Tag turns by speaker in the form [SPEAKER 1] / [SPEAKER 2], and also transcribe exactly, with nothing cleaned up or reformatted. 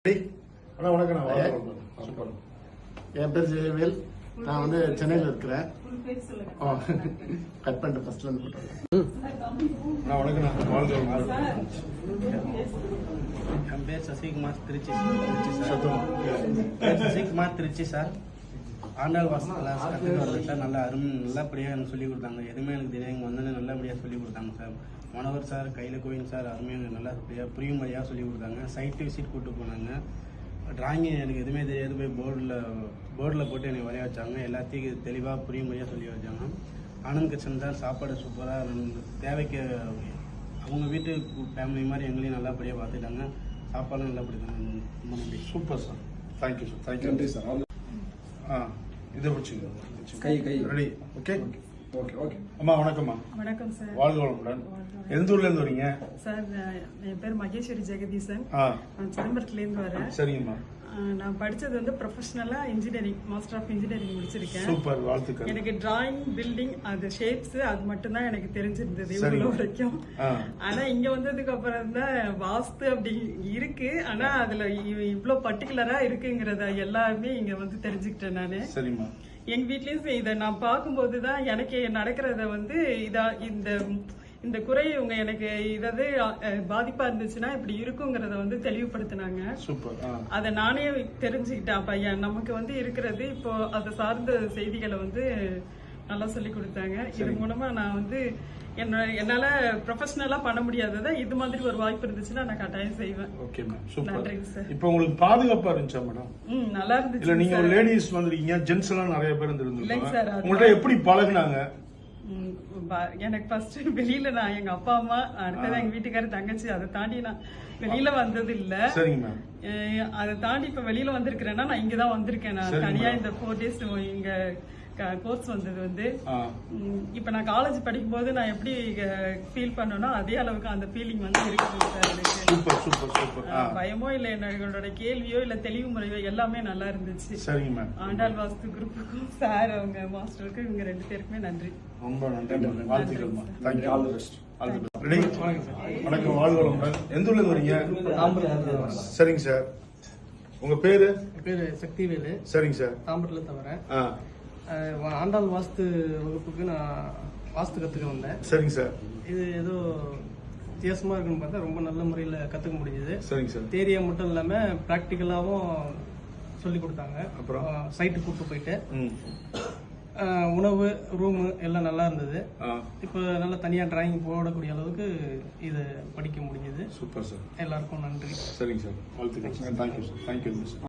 [SPEAKER 1] அண்ணா வணக்கம். சூப்பர். என் பேர் ஜெயவேல். நான் வந்து சென்னையில் இருக்கிறேன். கட் பண்ணிட்டு ஃபர்ஸ்ட்ல இருந்து போட்டோம். வணக்கம்.
[SPEAKER 2] என் பேர் சசிகுமார், திருச்சி சார். சசிகுமார், திருச்சி சார். ஆண்டாள் வாசல் கிளாஸ் கற்றுட்டு வந்தேன் சார். நல்லா அருமை நல்லபடியாக எனக்கு சொல்லிக் கொடுத்தாங்க. எதுவுமே எனக்கு தெரியும், இங்கே வந்தோடனே நல்லபடியாக சொல்லிக் கொடுத்தாங்க சார். மனோகர் சார், கையில் கோவிந்த் சார் அருமையாக நல்லபடியாக புரியும் முறையாக சொல்லிக் கொடுத்தாங்க. சைட் விசிட் கூப்பிட்டு போனாங்க. டிராயிங்கு எனக்கு எதுவுமே தெரியாது, போய் போர்டில் போர்டில் போட்டு எனக்கு வரைய வச்சாங்க. எல்லாத்தையும் தெளிவாக புரியும் முறையாக சொல்லி வச்சாங்க. ஆனந்த் கிச்சன் தான் சாப்பாடு சூப்பராக தேவைக்கு அவங்க வீட்டு ஃபேமிலி மாதிரி எங்களையும் நல்லபடியாக பார்த்துட்டாங்க. சாப்பாடும் நல்லபடி தான். ரொம்ப நன்றி.
[SPEAKER 1] Super sir. Thank you sir. Thank you. நன்றி சார். ஆ இதை பிடிச்சிங்க.
[SPEAKER 3] கை கை
[SPEAKER 1] ரெடி. Okay
[SPEAKER 3] okay okay.
[SPEAKER 1] அம்மா வணக்கம்மா.
[SPEAKER 4] வணக்கம் சார்.
[SPEAKER 1] வாழ்க வளமுடன். எந்த ஊர்ல இருந்து வரீங்க
[SPEAKER 4] சார்? என் பேர் மகேஸ்வரி ஜெகதீசன்.
[SPEAKER 1] ஆ
[SPEAKER 4] நான் சிதம்பரத்துல இருந்து வரேன்.
[SPEAKER 1] சரிங்கம்மா.
[SPEAKER 4] நான் படிச்சது வந்து ப்ரொஃபஷனலா இன்ஜினியரிங், மாஸ்டர் ஆஃப் இன்ஜினியரிங் முடிச்சிருக்கேன்.
[SPEAKER 1] சூப்பர், வாழ்த்துக்கள்.
[SPEAKER 4] எனக்கு டிராயிங், பில்டிங், அது ஷேப்ஸ் அது மட்டும் தான் எனக்கு தெரிஞ்சிருந்தது இவ்வளவு வரைக்கும். ஆனா இங்க வந்ததுக்கு அப்புறம் தான் வாஸ்து அப்படி இருக்கு, ஆனா அதுல இவ்வளவு பர்டிகுலரா இருக்குங்கிறத எல்லாமே இங்க வந்து தெரிஞ்சுக்கிட்டேன் நானு.
[SPEAKER 1] சரிம்மா.
[SPEAKER 4] எங்க வீட்லயும் இதை நான் பார்க்கும்போதுதான் எனக்கு நடக்கிறத வந்து இதா இந்த இந்த குறை இவங்க எனக்கு இதாவது பாதிப்பா இருந்துச்சுன்னா இப்படி இருக்குங்கிறத வந்து தெளிவுபடுத்தினாங்க.
[SPEAKER 1] சூப்பர்.
[SPEAKER 4] அதை நானே தெரிஞ்சுக்கிட்டேன். அப்ப நமக்கு வந்து இருக்கிறது இப்போ அதை சார்ந்த செய்திகளை வந்து நல்லா சொல்லி கொடுத்தாங்க. இது மூலமா நான் வந்து என்ன என்னால ப்ரொஃபஷனலா பண்ண முடியாததை இது மாதிரி ஒரு வாய்ப்பு இருந்துச்சுன்னா நான் கட்டாயம் செய்வேன்.
[SPEAKER 1] Okay ma'am. சூப்பர்.
[SPEAKER 4] நன்றிங்க சார்.
[SPEAKER 1] இப்போ உங்களுக்கு பாதுகாப்பா இருந்துச்சா மேடம்?
[SPEAKER 4] ம், நல்லா இருந்துச்சு.
[SPEAKER 1] இல்ல நீங்க லேடிஸ் வந்திருக்கீங்க, ஜென்ட்ஸ் எல்லாம் நிறைய பேர் இருந்திருந்தாங்க.
[SPEAKER 4] சார்,
[SPEAKER 1] உங்கள்ட்ட எப்படி பழகுனாங்க?
[SPEAKER 4] எனக்கு ஃபர்ஸ்ட் வெளியில நான் எங்க அப்பா அம்மா, அடுத்தது எங்க வீட்டுக்காரர், தங்கச்சி, அதை தாண்டி நான் வெளியில வந்தது இல்ல.
[SPEAKER 1] சரிங்க மேம்.
[SPEAKER 4] அதை தாண்டி இப்ப வெளியில வந்திருக்கிறேன்னா நான் இங்கதான் வந்திருக்கேன். நான் தனியா இந்த ஃபோர் டேஸ் இங்க கோர்ஸ் வந்தது வந்து இப்ப நான் காலேஜ் படிக்கும் போது நான் எப்படி ஃபீல் பண்ணனோ அதே அளவுக்கு அந்த ஃபீலிங் வந்து இருக்குது சார் எனக்கு.
[SPEAKER 1] Super super super.
[SPEAKER 4] பயமோ இல்ல, என்னோட கேள்வியோ இல்ல தெளிவு முறையோ எல்லாமே நல்லா இருந்துச்சு.
[SPEAKER 1] சரிங்க மேம்.
[SPEAKER 4] ஆண்டாள் வாஸ்து குரூப்புக்கும் சார் அவங்க மாஸ்டருக்கும் இவங்க ரெண்டு பேருக்குமே நன்றி.
[SPEAKER 1] ரொம்ப நன்றி. வாழ்த்துக்கள்மா. Thank you. All the best. All the best. Ready. வணக்கம். வாழ்க வளமுடன். எந்த ஊர்ல இருந்து வரீங்க? சரிங்க சார். உங்க பேரு?
[SPEAKER 2] பேரு சக்திவேலு.
[SPEAKER 1] சரிங்க சார்.
[SPEAKER 2] தாம்பரத்துல தவிர ஆண்டாள் வாஸ்து வகுப்புக்கு நான் வாஸ்து கத்துக்க வந்தேன்.
[SPEAKER 1] சரிங்க சார்.
[SPEAKER 2] இது ஏதோ வித்தியாசமா இருக்குன்னு பார்த்தா ரொம்ப நல்ல முறையில் கத்துக்க முடிஞ்சது.
[SPEAKER 1] சரிங்க சார்.
[SPEAKER 2] தேரியா மட்டும் இல்லாம பிராக்டிக்கலாவும் சொல்லி கொடுத்தாங்க.
[SPEAKER 1] அப்புறம்
[SPEAKER 2] சைட்டு கூப்பிட்டு போயிட்டு உணவு, ரூமு எல்லாம் நல்லா இருந்தது. இப்போ நல்லா தனியா டிராயிங் போடக்கூடிய அளவுக்கு இது படிக்க முடிஞ்சது.
[SPEAKER 1] Super sir.
[SPEAKER 2] எல்லாருக்கும் நன்றி.
[SPEAKER 1] சரிங்க சார். வாழ்த்துக்கள். Thank you sir. தேங்க்யூ.